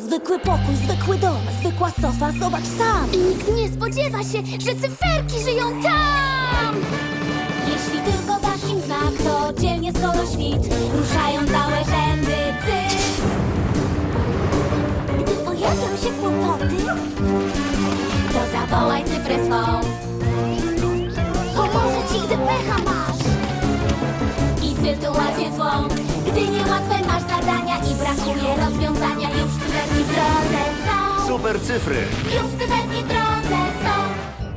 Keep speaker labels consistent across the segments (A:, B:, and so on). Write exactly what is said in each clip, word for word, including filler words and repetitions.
A: zwykły pokój, zwykły dom, zwykła sofa, zobacz sam.
B: I nikt nie spodziewa się, że cyferki żyją tam!
A: Jeśli tylko dasz im znak, to dzielnie skoro świt ruszają całe rzędy cyfr. Gdy pojawią się kłopoty, to zawołaj cyfrę swą. Pomoże ci, gdy pecha masz i sytuację złą. Gdy niełatwe masz zadania i brakuje rozwiązania, już cyferki w drodze są.
C: Super cyfry!
A: Już cyferki w drodze są.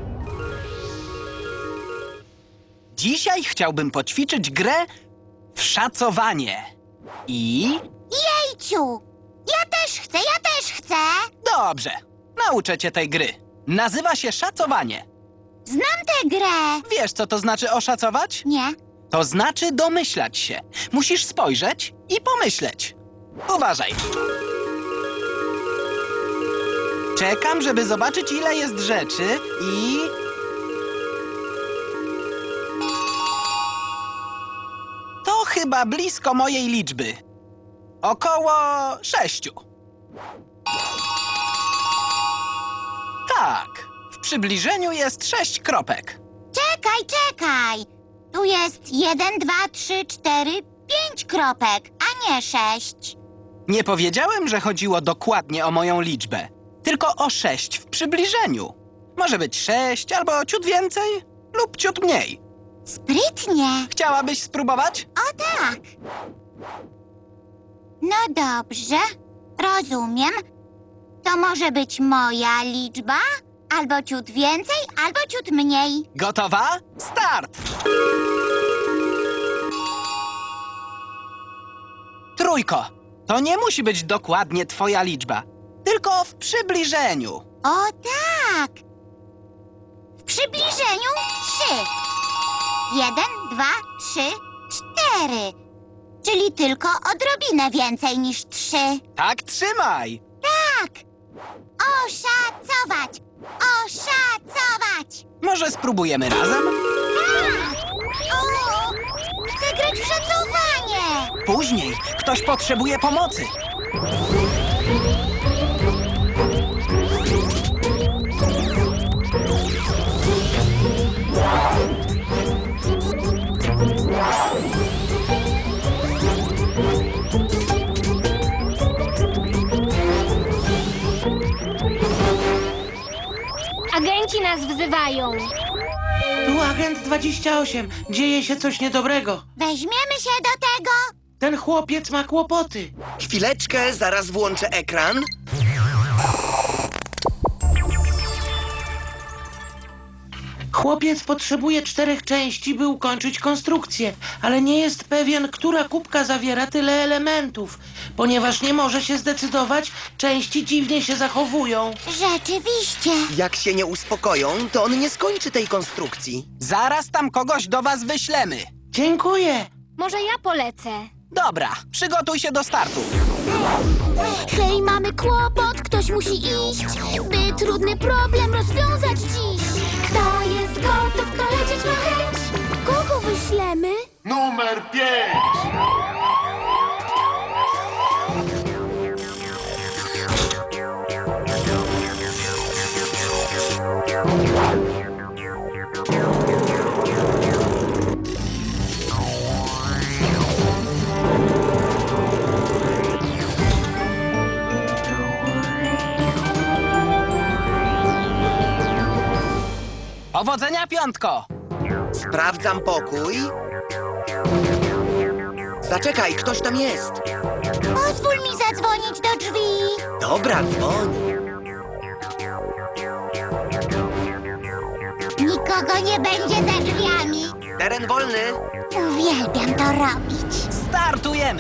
D: Dzisiaj chciałbym poćwiczyć grę w szacowanie. I...
B: Jejciu! Ja też chcę, ja też chcę!
D: Dobrze, nauczę cię tej gry. Nazywa się szacowanie.
B: Znam tę grę!
D: Wiesz, co to znaczy oszacować?
B: Nie.
D: To znaczy domyślać się. Musisz spojrzeć i pomyśleć. Uważaj. Czekam, żeby zobaczyć, ile jest rzeczy i... To chyba blisko mojej liczby. Około sześciu. Tak, w przybliżeniu jest sześć kropek.
B: Czekaj, czekaj! Tu jest jeden, dwa, trzy, cztery, pięć kropek, a nie sześć.
D: Nie powiedziałem, że chodziło dokładnie o moją liczbę, tylko o sześć w przybliżeniu. Może być sześć albo ciut więcej lub ciut mniej.
B: Sprytnie.
D: Chciałabyś spróbować?
B: O tak. No dobrze, rozumiem. To może być moja liczba, albo ciut więcej, albo ciut mniej.
D: Gotowa? Start! Trójko. To nie musi być dokładnie twoja liczba, tylko w przybliżeniu.
B: O tak! W przybliżeniu trzy. Jeden, dwa, trzy, cztery. Czyli tylko odrobinę więcej niż trzy.
D: Tak trzymaj!
B: Tak! Oszacować! Oszacować!
D: Może spróbujemy razem?
B: Tak! O! Chcę grać w szacowanie!
D: Później ktoś potrzebuje pomocy.
E: Agenci nas wzywają.
F: Tu agent dwadzieścia osiem. Dzieje się coś niedobrego.
B: Weźmiemy się do tego!
F: Ten chłopiec ma kłopoty.
C: Chwileczkę, zaraz włączę ekran.
F: Chłopiec potrzebuje czterech części, by ukończyć konstrukcję, ale nie jest pewien, która kubka zawiera tyle elementów. Ponieważ nie może się zdecydować, części dziwnie się zachowują.
B: Rzeczywiście!
C: Jak się nie uspokoją, to on nie skończy tej konstrukcji.
D: Zaraz tam kogoś do was wyślemy.
F: Dziękuję.
E: Może ja polecę.
D: Dobra, przygotuj się do startu.
B: Hej, mamy kłopot, ktoś musi iść, by trudny problem rozwiązać dziś.
A: Kto jest gotów dolecieć na chęć? Kogo wyślemy?
G: Numer pięć!
D: Powodzenia, piątko!
C: Sprawdzam pokój. Zaczekaj, ktoś tam jest.
B: Pozwól mi zadzwonić do drzwi.
C: Dobra, dzwoń.
B: Nikogo nie będzie za drzwiami.
C: Teren wolny.
B: Uwielbiam to robić.
D: Startujemy!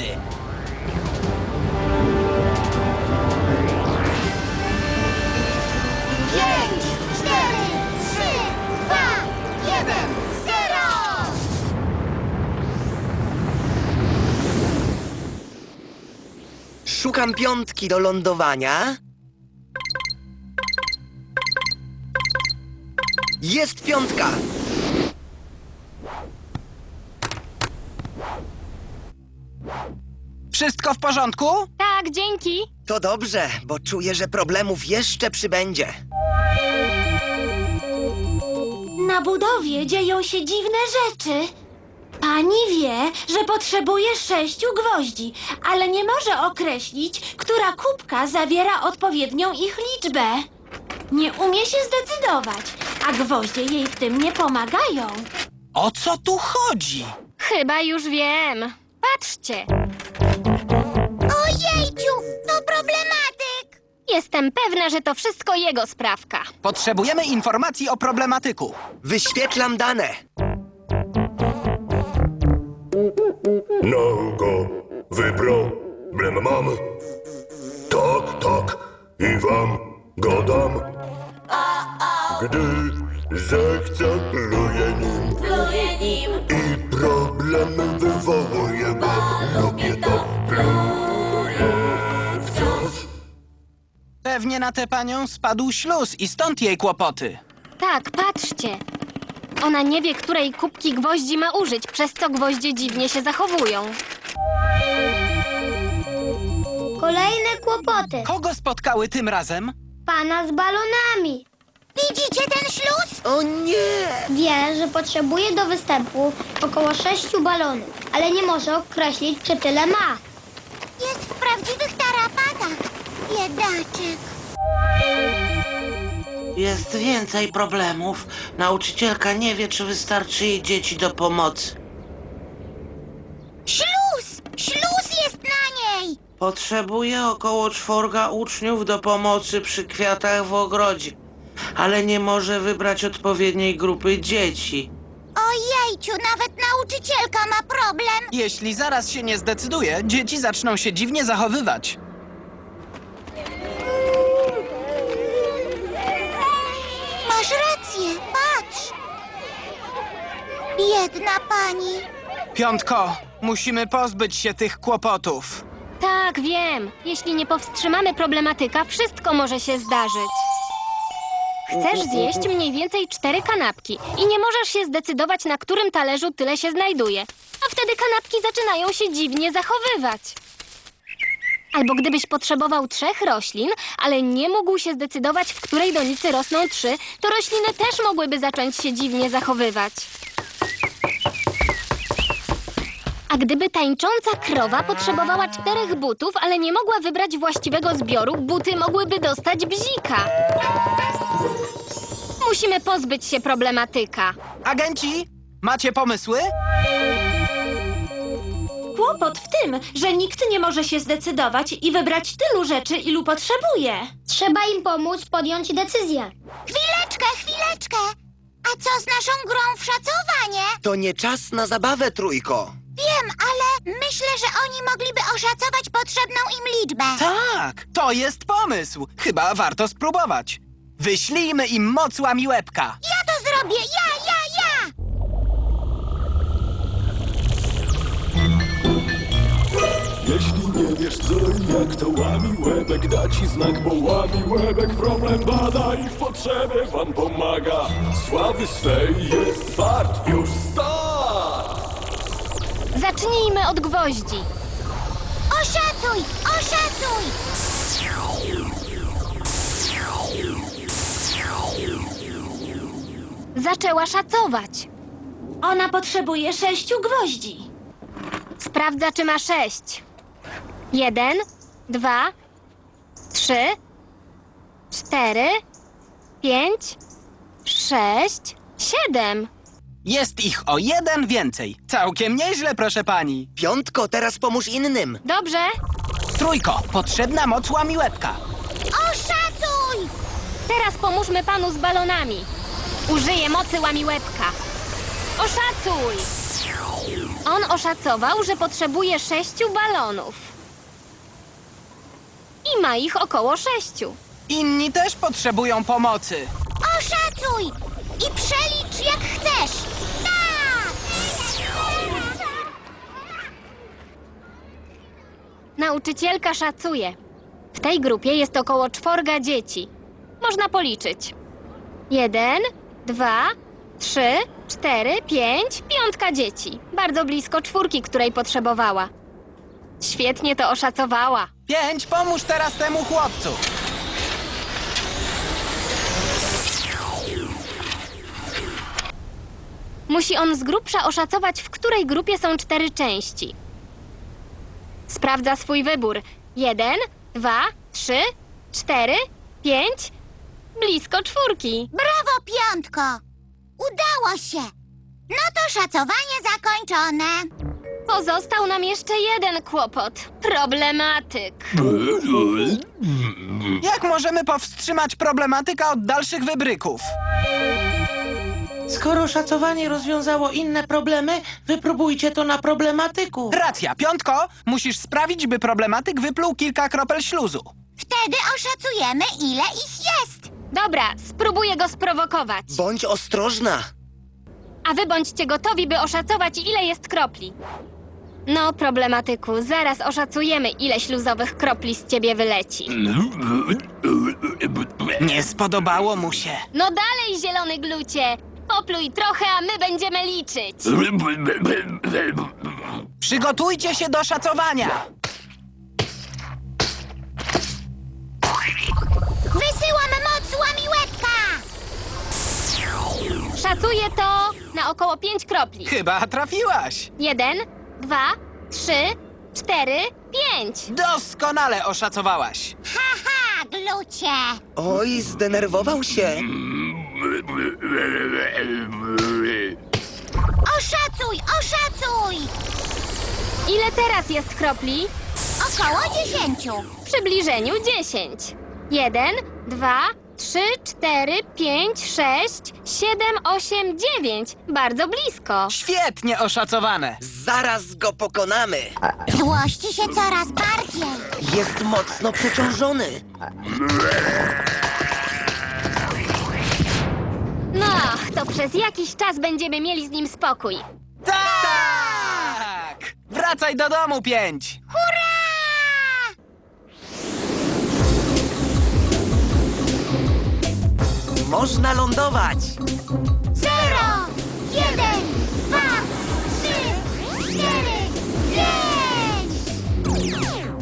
B: Pięć, cztery, trzy, dwa, jeden, zero!
C: Szukam piątki do lądowania. Jest piątka.
D: Wszystko w porządku?
E: Tak, dzięki.
C: To dobrze, bo czuję, że problemów jeszcze przybędzie.
A: Na budowie dzieją się dziwne rzeczy. Pani wie, że potrzebuje sześciu gwoździ, ale nie może określić, która kubka zawiera odpowiednią ich liczbę. Nie umie się zdecydować, a gwoździe jej w tym nie pomagają.
D: O co tu chodzi?
E: Chyba już wiem. Patrzcie,
B: Ojejciu, to problematyk!
E: jestem pewna, że to wszystko jego sprawka.
D: Potrzebujemy informacji o problematyku.
C: Wyświetlam dane.
G: No go wyproblem mam. Tak, tak, i wam gadam. Gdy zechcę, pluję nim. I problem wywołuje, bo lubię to. Pluję wciąż.
D: Pewnie na tę panią spadł śluz i stąd jej kłopoty.
E: Tak, patrzcie. Ona nie wie, której kubki gwoździ ma użyć, przez co gwoździe dziwnie się zachowują.
H: Kolejne kłopoty.
D: Kogo spotkały tym razem?
H: Pana z balonami.
B: Widzicie ten śluz?
C: O nie!
H: Wie, że potrzebuje do występu około sześciu balonów, ale nie może określić, czy tyle ma.
B: Jest w prawdziwych tarapatach. Biedaczek.
F: Jest więcej problemów. Nauczycielka nie wie, czy wystarczy jej dzieci do pomocy.
B: Śluz! Śluz jest na niej!
F: Potrzebuje około czworga uczniów do pomocy przy kwiatach w ogrodzie, ale nie może wybrać odpowiedniej grupy dzieci.
B: Ojejciu, nawet nauczycielka ma problem.
D: Jeśli zaraz się nie zdecyduje, dzieci zaczną się dziwnie zachowywać.
B: Masz rację, patrz. Biedna pani.
D: Piątko, musimy pozbyć się tych kłopotów.
E: Tak, wiem. Jeśli nie powstrzymamy problematyka, wszystko może się zdarzyć. Chcesz zjeść mniej więcej cztery kanapki i nie możesz się zdecydować, na którym talerzu tyle się znajduje. A wtedy kanapki zaczynają się dziwnie zachowywać. Albo gdybyś potrzebował trzech roślin, ale nie mógł się zdecydować, w której donicy rosną trzy, to rośliny też mogłyby zacząć się dziwnie zachowywać. A gdyby tańcząca krowa potrzebowała czterech butów, ale nie mogła wybrać właściwego zbioru, buty mogłyby dostać bzika. Musimy pozbyć się problematyka.
D: Agenci, macie pomysły?
A: Kłopot w tym, że nikt nie może się zdecydować i wybrać tylu rzeczy, ilu potrzebuje.
H: Trzeba im pomóc podjąć decyzję.
B: Chwileczkę, chwileczkę. A co z naszą grą w szacowanie?
C: To nie czas na zabawę, trójko.
B: Wiem, ale myślę, że oni mogliby oszacować potrzebną im liczbę.
D: Tak, to jest pomysł. Chyba warto spróbować. Wyślijmy im moc łamiłebka.
B: Ja to zrobię, ja, ja, ja!
I: Jeśli nie wiesz co i jak, to łamiłebek da ci znak, bo łamiłebek problem bada i w potrzebie wam pomaga. Sławy swej jest wart, już start!
E: Zacznijmy od gwoździ.
B: Oszacuj, oszacuj!
E: Zaczęła szacować.
A: Ona potrzebuje sześciu gwoździ.
E: Sprawdza, czy ma sześć. Jeden, dwa, trzy, cztery, pięć, sześć, siedem.
D: Jest ich o jeden więcej. Całkiem nieźle, proszę pani.
C: Piątko, teraz pomóż innym.
E: Dobrze?
D: Trójko, potrzebna moc łamiłebka.
B: Oszacuj!
E: Teraz pomóżmy panu z balonami. Użyję mocy łamiłebka. Oszacuj! On oszacował, że potrzebuje sześciu balonów. I ma ich około sześciu.
D: Inni też potrzebują pomocy.
B: Oszacuj! I przelicz jak chcesz! Tak!
E: Nauczycielka szacuje. W tej grupie jest około czworga dzieci. Można policzyć. Jeden, dwa, trzy, cztery, pięć, piątka dzieci. Bardzo blisko czwórki, której potrzebowała. Świetnie to oszacowała.
D: Pięć, pomóż teraz temu chłopcu.
E: Musi on z grubsza oszacować, w której grupie są cztery części. Sprawdza swój wybór. Jeden, dwa, trzy, cztery, pięć. Blisko czwórki.
B: Brawo, piątko! Udało się! No to szacowanie zakończone.
E: Pozostał nam jeszcze jeden kłopot. Problematyk.
D: Jak możemy powstrzymać problematyka od dalszych wybryków?
F: Skoro szacowanie rozwiązało inne problemy, wypróbujcie to na problematyku.
D: Racja, piątko, musisz sprawić, by problematyk wypluł kilka kropel śluzu.
B: Wtedy oszacujemy, ile ich jest.
E: Dobra, spróbuję go sprowokować.
C: Bądź ostrożna.
E: A wy bądźcie gotowi, by oszacować, ile jest kropli. No, problematyku, zaraz oszacujemy, ile śluzowych kropli z ciebie wyleci.
D: Nie spodobało mu się.
E: No dalej, zielony glucie! Popluj trochę, a my będziemy liczyć.
D: Przygotujcie się do szacowania.
B: Wysyłam moc łamiłetka!
E: Szacuję to na około pięć kropli.
D: Chyba trafiłaś.
E: Jeden, dwa, trzy, cztery, pięć.
D: Doskonale oszacowałaś.
B: Haha, glucie!
C: Oj, zdenerwował się.
B: Oszacuj, oszacuj!
E: Ile teraz jest kropli?
B: Około dziesięciu.
E: W przybliżeniu dziesięć. Jeden, dwa, trzy, cztery, pięć, sześć, siedem, osiem, dziewięć. Bardzo blisko.
D: Świetnie oszacowane.
C: Zaraz go pokonamy.
B: Złości się coraz bardziej.
C: Jest mocno przeciążony.
E: No, to przez jakiś czas będziemy mieli z nim spokój.
D: Tak! Wracaj do domu, pięć.
B: Hurra!
C: Można lądować.
B: Zero, jeden, dwa, trzy, cztery, pięć!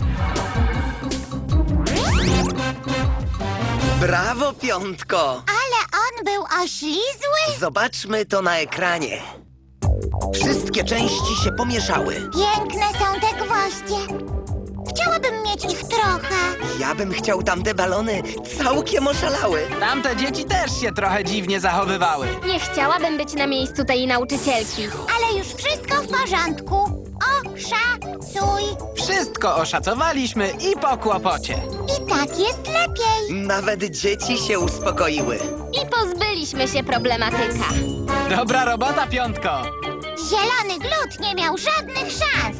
C: Brawo, piątko.
B: Ale on był oślizły?
C: Zobaczmy to na ekranie. Wszystkie części się pomieszały.
B: Piękne są te gwoździe. Chciałabym mieć ich trochę.
C: Ja bym chciał tamte balony. Całkiem oszalały.
D: Tamte dzieci też się trochę dziwnie zachowywały.
E: Nie chciałabym być na miejscu tej nauczycielki.
B: Ale już wszystko w porządku. Oszacuj.
D: Wszystko oszacowaliśmy i po kłopocie.
B: I tak jest lepiej.
C: Nawet dzieci się uspokoiły.
E: I pozbyliśmy się problematyka.
D: Dobra robota, piątko.
B: Zielony glut nie miał żadnych szans.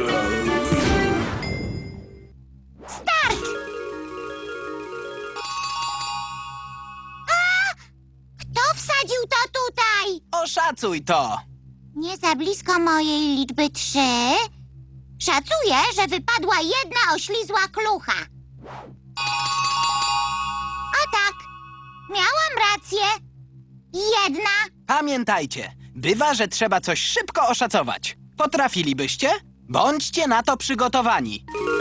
B: Start! A! Kto wsadził to tutaj?
D: Oszacuj to.
B: Nie za blisko mojej liczby trzy. Szacuję, że wypadła jedna oślizła klucha. A tak, miałam rację. Jedna.
D: Pamiętajcie, bywa, że trzeba coś szybko oszacować. Potrafilibyście? Bądźcie na to przygotowani.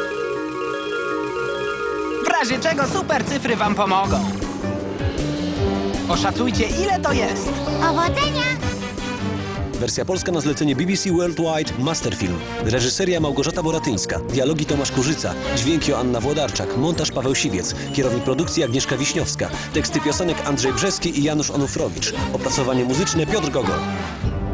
D: W razie czego super cyfry wam pomogą. Oszacujcie, ile to jest.
B: Powodzenia!
J: Wersja polska na zlecenie B B C Worldwide Masterfilm. Reżyseria Małgorzata Boratyńska. Dialogi Tomasz Kurzyca. Dźwięki Joanna Włodarczak. Montaż Paweł Siwiec. Kierownik produkcji Agnieszka Wiśniowska. Teksty piosenek Andrzej Brzeski i Janusz Onufrowicz. Opracowanie muzyczne Piotr Gogol.